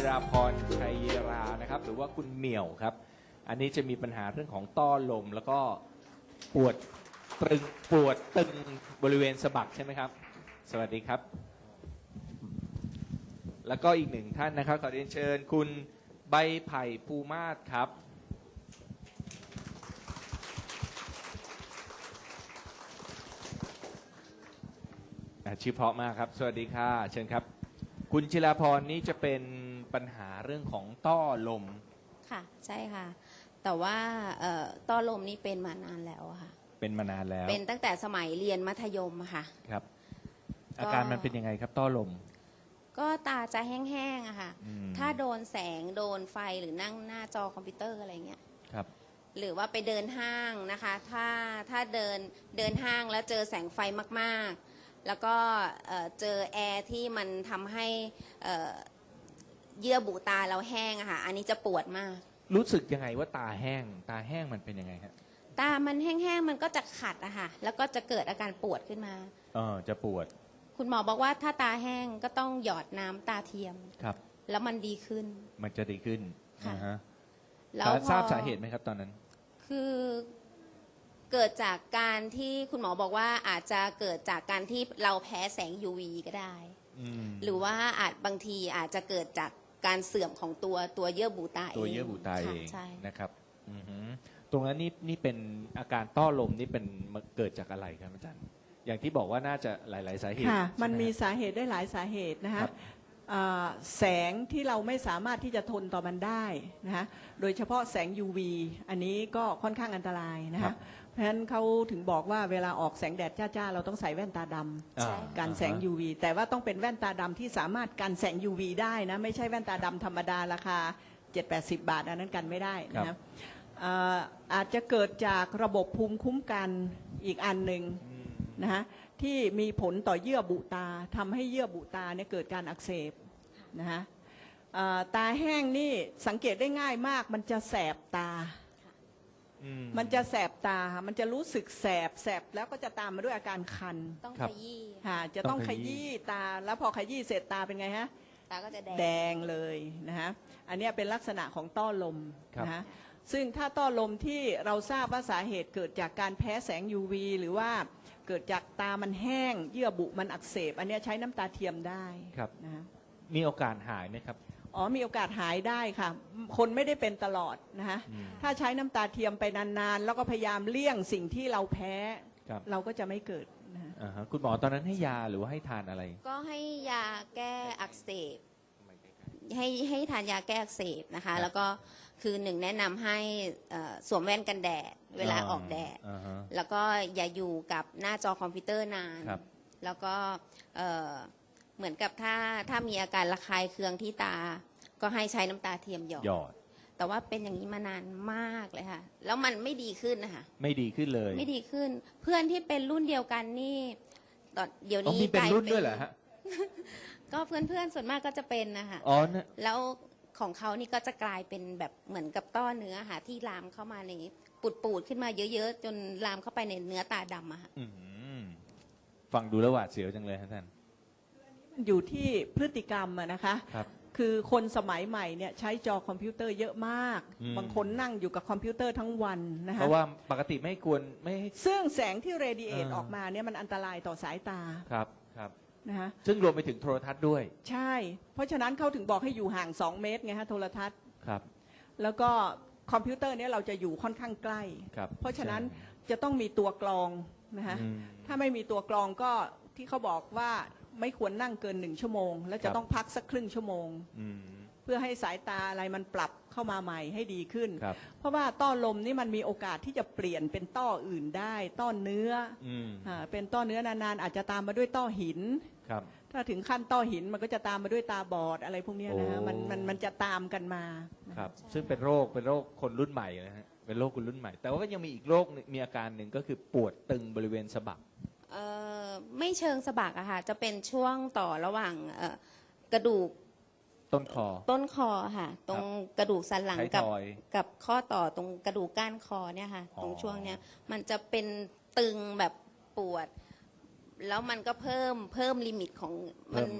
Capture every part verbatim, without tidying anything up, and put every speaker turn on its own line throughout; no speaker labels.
ราพรชัยรานะครับหรือว่าคุณเหมี่ยวครับอันนี้จะมีปัญหาเรื่องของต้อลมแล้วก็ปวดตึงปวดตึงบริเวณสะบักใช่ไหมครับสวัสดีครับแล้วก็อีกหนึ่งท่านนะครับขอเรียนเชิญคุณใบไผ่ภูมาศครับชื่อเพราะมากครับสวัสดีค่ะเชิญครับคุณจิราพรนี้จะเป็นปัญหาเรื่องของต้อลม
ค่ะใช่ค่ะแต่ว่าต้อลมนี่เป็นมานานแล้วค่ะ
เป็นมานานแล้ว
เป็นตั้งแต่สมัยเรียนมัธยมค่ะ
ครับอาการมันเป็นยังไงครับต้อลม
ก็ตาจะแห้งๆอะค่ะถ้าโดนแสงโดนไฟหรือนั่งหน้าจอคอมพิวเตอร์อะไรเงี้ย
ครับ
หรือว่าไปเดินห้างนะคะถ้าถ้าเดินเดินห้างแล้วเจอแสงไฟมากๆแล้วก็เจอแอร์ที่มันทำให้เยื่อบุตาเราแห้งอะค่ะอันนี้จะปวดมาก
รู้สึกยังไงว่าตาแห้งตาแห้งมันเป็นยังไงครับ
ตามันแห้งๆมันก็จะขัดอะค่ะแล้วก็จะเกิดอาการปวดขึ้นมา
เออจะปวด
คุณหมอบอกว่าถ้าตาแห้งก็ต้องหยอดน้ำตาเทียม
ครับ
แล้วมันดีขึ้น
มันจะดีขึ้น
ค่ะ
แล้วทราบสาเหตุไหมครับตอนนั้น
คือเกิดจากการที่คุณหมอบอกว่าอาจจะเกิดจากการที่เราแพ้แสง ยู วี ก็ได้หรือว่าอาจบางทีอาจจะเกิดจากการเสื่อมของตัวตัวเยื่อบุตาเอง
ตัวเยื่อบุตาเอง
ใช่
นะครับตรงนั้นนี่นี่เป็นอาการต้อลมนี่เป็นเกิดจากอะไรครับอาจารย์อย่างที่บอกว่าน่าจะหลายๆสาเหตุ
ค่ะมันมีสาเหตุได้หลายสาเหตุนะคะแสงที่เราไม่สามารถที่จะทนต่อมันได้นะคะโดยเฉพาะแสง ยู วี อันนี้ก็ค่อนข้างอันตรายนะคะเพราะฉะนั้นเขาถึงบอกว่าเวลาออกแสงแดดจ้าๆเราต้องใส่แว่นตาดำกันแสง ยู วี แต่ว่าต้องเป็นแว่นตาดำที่สามารถกันแสง ยู วี ได้นะไม่ใช่แว่นตาดำธรรมดาราคา เจ็ดแปดสิบ บาทอันนั้นกันไม่ได้นะอาจจะเกิดจากระบบภูมิคุ้มกันอีกอันหนึ่งนะฮะที่มีผลต่อเยื่อบุตาทำให้เยื่อบุตาเนี่ยเกิดการอักเสบนะฮะตาแห้งนี่สังเกตได้ง่ายมากมันจะแสบตามันจะแสบตามันจะรู้สึกแสบแสบแล้วก็จะตามมาด้วยอาการคัน
ต้องขยี้
ค่ะจะต้องขยี้ตาแล้วพอขยี้เสร็จตาเป็นไงฮะ
ตาก็จะแดง
แดงเลยนะฮะอันนี้เป็นลักษณะของต้อลมนะฮะซึ่งถ้าต้อลมที่เราทราบว่าสาเหตุเกิดจากการแพ้แสง ยู วี หรือว่าเกิดจากตามันแห้งเยื่อบุมันอักเสบอันนี้ใช้น้ำตาเทียมได้
ครับ
นะ
มีโอกาสหายไหมครับ
อ๋อมีโอกาสหายได้ค่ะคนไม่ได้เป็นตลอดนะคะถ้าใช้น้ำตาเทียมไปนานๆแล้วก็พยายามเลี่ยงสิ่งที่เราแพ้เราก็จะไม่เกิดนะ
คุณหมอตอนนั้นให้ยาหรือว่าให้ทานอะไร
ก็ให้ยาแก้อักเสบให้ให้ทานยาแก้อักเสบนะคะแล้วก็คือหนึ่งแนะนำให้สวมแว่นกันแดดเวลาออกแดดแล้วก็อย่าอยู่กับหน้าจอคอมพิวเตอร์นานแล้วก็เหมือนกับถ้าถ้ามีอาการระคายเคืองที่ตาก็ให้ใช้น้ำตาเทียมหยอดแต่ว่าเป็นอย่างนี้มานานมากเลยค่ะแล้วมันไม่ดีขึ้นนะคะ
ไม่ดีขึ้นเลย
ไม่ดีขึ้นเพื่อนที่เป็นรุ่นเดียวกันนี่ตอนเดี๋ยวนี้
มีเป็นรุ่นด้วยเหรอฮะ
ก็เพื่อนๆส่วนมากก็จะเป็นนะคะ
อ๋อ
แล้วของเขานี่ก็จะกลายเป็นแบบเหมือนกับต้อเนื้อค่ะที่ลามเข้ามาในปูดๆขึ้นมาเยอะๆจนลามเข้าไปในเนื้อตาดำอะค่ะ
ฟังดูแล้วหวาดเสียวจังเลยท่าน
อยู่ที่พฤติกรรมนะคะ
ครับ
คือคนสมัยใหม่เนี่ยใช้จอคอมพิวเตอร์เยอะมากบางคนนั่งอยู่กับคอมพิวเตอร์ทั้งวันนะคะ
เพราะว่าปกติไม่ควรไม่
ซึ่งแสงที่เรดิเอทออกมาเนี่ยมันอันตรายต่อสายตา
ครับครับ
นะคะ
ซึ่งรวมไปถึงโทรทัศน์ด้วย
ใช่เพราะฉะนั้นเขาถึงบอกให้อยู่ห่างสองเมตรไงฮะโทรทัศน์
ครับ
แล้วก็คอมพิวเตอร์เนี่ยเราจะอยู่ค่อนข้างใกล้เพราะฉะนั้นจะต้องมีตัวกรองนะคะถ้าไม่มีตัวกรองก็ที่เขาบอกว่าไม่ควรนั่งเกินหนึ่งชั่วโมงแล้วจะต้องพักสักครึ่งชั่วโมงเพื่อให้สายตาอะไรมันปรับเข้ามาใหม่ให้ดีขึ้นเพราะว่าต้อลมนี่มันมีโอกาสที่จะเปลี่ยนเป็นต้ออื่นได้ต้อเนื้อเป็นต้อเนื้อนานๆอาจจะตามมาด้วยต้อหินถ้าถึงขั้นต้อหินมันก็จะตามมาด้วยตาบอดอะไรพวกนี้นะฮะมันมันมันจะตามกันมา
ครับซึ่งเป็นโรคเป็นโรคคนรุ่นใหม่นะฮะเป็นโรคคนรุ่นใหม่แต่ว่าก็ยังมีอีกโรคมีอาการหนึ่งก็คือปวดตึงบริเวณสะบัก
เอ่อไม่เชิงสะบักอะค่ะจะเป็นช่วงต่อระหว่างกระดูก
ต้นคอ
ต้นคอค่ะตรงกระดูกสันหลังกับกับข้อต่อตรงกระดูกก้านคอเนี่ยค่ะตรงช่วงเนี้ยมันจะเป็นตึงแบบปวดแล้วมันก็เพิ่มเพิ่มลิมิตของมัน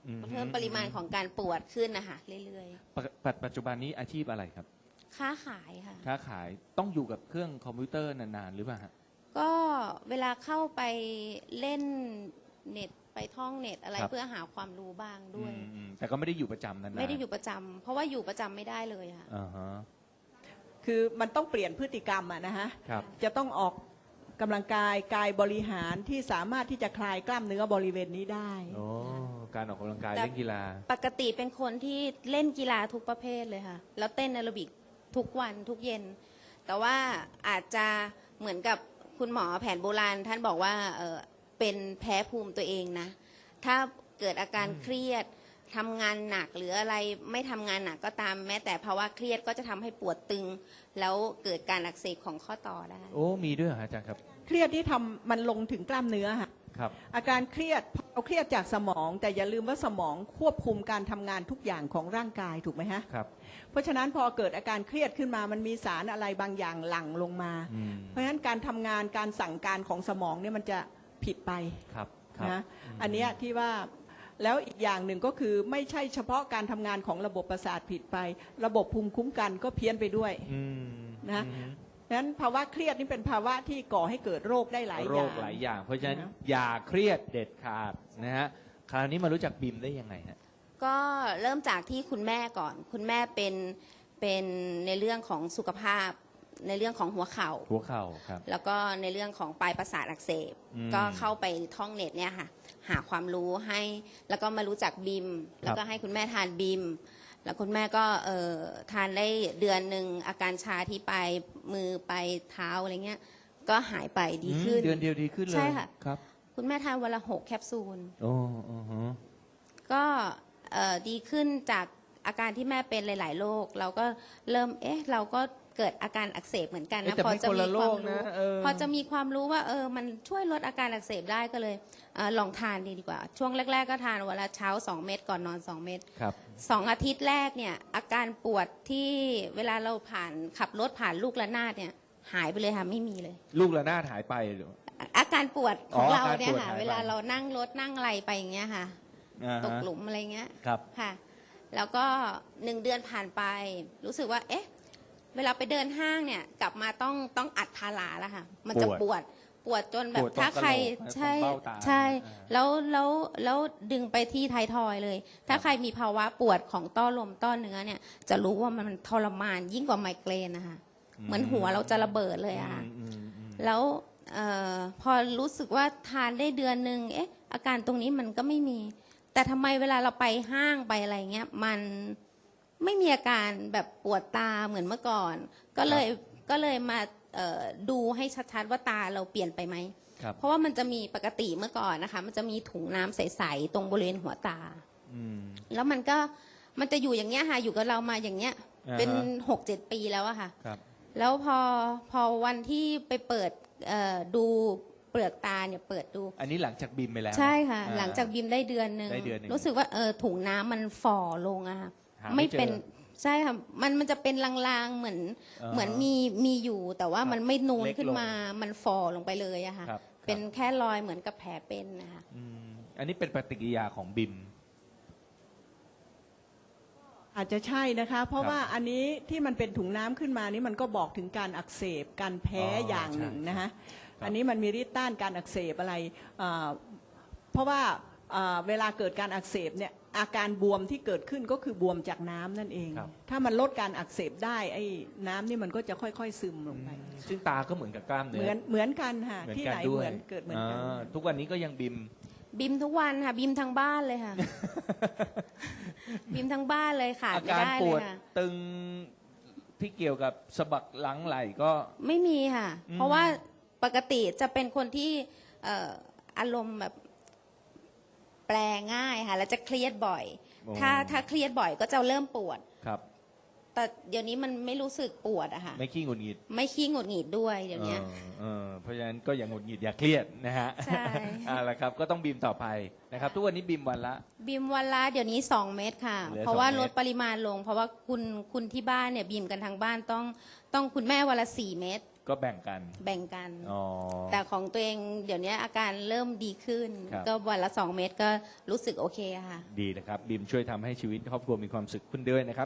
อืม
เพิ่มปริมาณของการปวดขึ้นนะคะเรื่อย
ปกปัจปัจจุบันนี้อาชีพอะไรครับ
ๆ ค้าขายค่ะ
ค้าขายต้องอยู่กับเครื่องคอมพิวเตอร์นานๆหรือเปล่าฮะ
ก็เวลาเข้าไปเล่นเน็ตไปท่องเน็ตอะไร
ครับ
เพื่อหาความรู้บ้างด้วย
อืมอืมแต่ก็ไม่ได้อยู่ประจำนานๆ
ไม่ได้อยู่ประจำเพราะว่าอยู่ประจำไม่ได้เลยค่ะ
อ่าฮะ
คือมันต้องเปลี่ยนพฤติกรรมอะนะฮะ
ครับ
จะต้องออกกำลังกายกายบริหารที่สามารถที่จะคลายกล้ามเนื้อบริเวณนี้ได้
โอ้การออกกำลังกาย
แต่
เล่นกีฬา
ปกติเป็นคนที่เล่นกีฬาทุกประเภทเลยค่ะ แล้วเต้นแอโรบิกทุกวันทุกเย็น แต่ว่าอาจจะเหมือนกับคุณหมอแผนโบราณ ท่านบอกว่าเออเป็นแพ้ภูมิตัวเองนะ ถ้าเกิดอาการเครียดทำงานหนักหรืออะไรไม่ทำงานหนักก็ตามแม้แต่ภาวะเครียดก็จะทำให้ปวดตึง แล้วเกิดการอักเสบของข้อต่อได้
โอ้มีด้วยเหรอฮะอาจารย์ครับ
เครียดที่ทำมันลงถึงกล้ามเนื้อค่ะ
ครับ
อาการเครียดเราเครียดจากสมอง แต่อย่าลืมว่าสมองควบคุมการทำงานทุกอย่างของร่างกายถูกไหมฮะ
ครับ
เพราะฉะนั้นพอเกิดอาการเครียดขึ้นมามันมีสารอะไรบางอย่างหลั่งลงมา
อืม
เพราะฉะนั้นการทำงานการสั่งการของสมองเนี่ยมันจะผิดไป
ครับครับ
นะอันเนี้ยที่ว่าแล้วอีกอย่างหนึ่งก็คือไม่ใช่เฉพาะการทำงานของระบบประสาทผิดไป ระบบภูมิคุ้มกันก็เพี้ยนไปด้วย
อืม
นะ
อืม
ดังนั้นภาวะเครียดนี่เป็นภาวะที่ก่อให้เกิดโรคได้หลาย
โร
อย่าง
คหลายอย่าง เพราะฉะนั้น
นะ
อย่าเครียดเด็ดขาดนะฮะคราวนี้มารู้จักบิมได้ยังไงฮะ
ก็เริ่มจากที่คุณแม่ก่อน คุณแม่เป็นเป็นในเรื่องของสุขภาพ ในเรื่องของหัวเข่า
หัวเข่าครับ
แล้วก็ในเรื่องของปลายประสาทอักเสบ
อืม
ก็เข้าไปท่องเน็ตเนี่ยค่ะ หาความรู้ให้ แล้วก็มารู้จักบิม แล้วก็ให้คุณแม่ทานบิม แล้วคุณแม่ก็เอ่อทานได้เดือนหนึ่งอาการชาที่ปลายมือปลายเท้าอะไรเงี้ย ก็หายไปดีขึ้น
อืมเดือนเดียวดีขึ้นเลย
ใช่ค่ะ
ครับ
คุณแม่ทานวันละหกแคปซูล
โอ้อือฮะ
ก็เอ่อดีขึ้นจากอาการที่แม่เป็นหลาย ๆ โรคเราก็เริ่มเอ๊ะเราก็เกิดอาการอักเสบเหมือนกัน
เอ๊ะ
นะ
แต่
พอ
ไม่
จะ
คน
มี
ละโร
ความ
ค
รู้
นะเออ
พอจะมีความรู้ว่าเออมันช่วยลดอาการอักเสบได้ก็เลยเออลองทานดีดีกว่า ช่วงแรก ๆ ก็ทานวันละเช้าสองเม็ดก่อนนอนสองเม็ด
ครับ
สองอาทิตย์แรกเนี่ยอาการปวดที่เวลาเราผ่านขับรถผ่านลูกระนาดเนี่ยหายไปเลยค่ะไม่มีเลย
ลูกระนาดหายไปหรือ
อาการปวดของ
อ๋อ
เรา
อาการ
เนี่ย
ปวด
ค่ะ
หายไป
เวลาเรานั่งรถนั่งอะไรไปอย่างเงี้ยค่ะ
อ่าฮะ
ตกหลุมอะไรเงี้ย
ครับ
ค่ะ แล้วก็หนึ่งเดือนผ่านไป รู้สึกว่า เอ๊ะ เวลาไปเดินห้างเนี่ย กลับมาต้องต้องอัดพาราแล้วค่ะ มันจะ
ป
ป
ว
ว
ด
ด ปวดจนแบ
ป
บ
วดตรง
ถ้าใคร
กะโหลก
ใช่
ตรงเบ้าตา
ใช่
อ่า
แล้วแล้วแล้วดึงไปที่ไทายทอยเลย ถ้าใครมีภาวะปวดของต้อลมต้อเนื้อเนี่ย จะรู้ว่ามันทรมานยิ่งกว่าไมเกรนนะคะ เหมือนหัวเราจะระเบิดเลยอะค่ะ
อืมอืมอืม
แล้วเออพอรู้สึกว่าทานได้เดือนหนึ่งเอ๊ะ อาการตรงนี้มันก็ไม่มี แต่ทำไมเวลาเราไปห้างไปอะไรเงี้ย มันไม่มีอาการแบบปวดตาเหมือนเมื่อก่อน ก็เลยก็เลยมาเอ่อดูให้ชัดๆว่าตาเราเปลี่ยนไปไหม
ครับ
เพราะว่ามันจะมีปกติเมื่อก่อนนะคะ มันจะมีถุงน้ำใสๆตรงบริเวณหัวตา
อืม
แล้วมันก็มันจะอยู่อย่างเงี้ยค่ะ อยู่กับเรามาอย่างเงี้ย
อ่าฮะ
เป็นหกเจ็ดปีแล้วอะค่ะ
ครับ
แล้วพอพอวันที่ไปเปิดเอ่อดูเปลือกตาเนี่ยเปิดดู
อันนี้หลังจากบิมไปแล้ว
ใช่ค่ะ
อ่
หลังจากบิมได้เดือนหนึ่ง
ได้เดือนหนึ่ง
รู้สึกว่าเออถุงน้ำมันฝ่อลงอะค่ะ
หาไม่
ไม่
เจอ
เป็นใช่ค่ะมันมันจะเป็นลางๆเหมือน
อ่าฮะ
เหมือนมีมีอยู่ แต่ว่า
ครับ
มันไม่นูน
เล็กลง
ขึ้นมา มันฝ่อลงไปเลยอะค่ะ
ครับ
เป็น
ครับ
แค่รอยเหมือนกับแผลเป็นนะคะ
อืมอันนี้เป็นปฏิกิริยาของบิม
อาจจะใช่นะคะ เพราะ
ครับ
ว่าอันนี้ที่มันเป็นถุงน้ำขึ้นมานี่มันก็บอกถึงการอักเสบการแพ้
อ๋อ
อ
อย่าง
หนึ่ง
ใช่
นะคะ
ครับ
อันนี้มันมีฤทธิ์ต้านการอักเสบอะไรอ่าเพราะว่าอ่าเวลาเกิดการอักเสบเนี่ยอาการบวมที่เกิดขึ้นก็คือบวมจากน้ำนั่นเอง
ครับ
ถ้ามันลดการอักเสบได้ไอ้น้ำนี่มันก็จะค่อยๆซึมลงไป
ซึ่งตาก็เหมือนกับกล้ามเนื้
เหมือนเหมือนกันค่ะ
เหมือน
ที่
กั
ไหน
ด้ว
เห
ย
มือนเกิดเหมือนกัน
าทุกวันนี้ก็ยังบิม
บิมทุกวันค่ะ บิมทั้งบ้านเลยค่ะ บิมทั้งบ้านเลยค่ะ
อา
ไม่
การ
ได้
ป
เล
วย ด
ค่ะ
ตึงที่เกี่ยวกับสะบักหลังไหล่ก็
ไม่มีค่ะ
อืม
เพราะว่าปกติจะเป็นคนที่เอ่ออารมณ์แบบแปลง่ายค่ะ แล้วจะเครียดบ่อย ถ้าถ้าเครียดบ่อยก็จะเริ่มปวด
ครับ
แต่เดี๋ยวนี้มันไม่รู้สึกปวดอะค่ะ
ไม่ขี้หงุดหงิด
ไม่ขี้หงุดหงิดด้วยเดี๋ยวนี้
เออเออเพราะฉะนั้นก็อย่างหงุดหงิดอย่าเครียดนะฮะ
ใช่
เอาละครับก็ต้องบิมต่อไปนะครับ ทุกวันนี้บิมวันละ
บีมวันละเดี๋ยวนี้สองเม็ดค่ะ
เหลือ
เพราะว่า
สองเม็
ล
ด
ดปริมาณลง เพราะว่าคุณคุณที่บ้านเนี่ยบีมกันทางบ้านต้องต้องคุณแม่วันละสี่เม็ด
ก็แบ่งกัน
แบ่งกัน
อ๋อ
แต่ของตัวเองเดี๋ยวนี้อาการเริ่มดีขึ้น
ครับ
ก็วันละสองเม็ดก็รู้สึกโอเคค่ะ
ดีนะครับบีมช่วยทำให้ชีวิตครอบครัวมีความสุขขึ้นด้วยนะครับ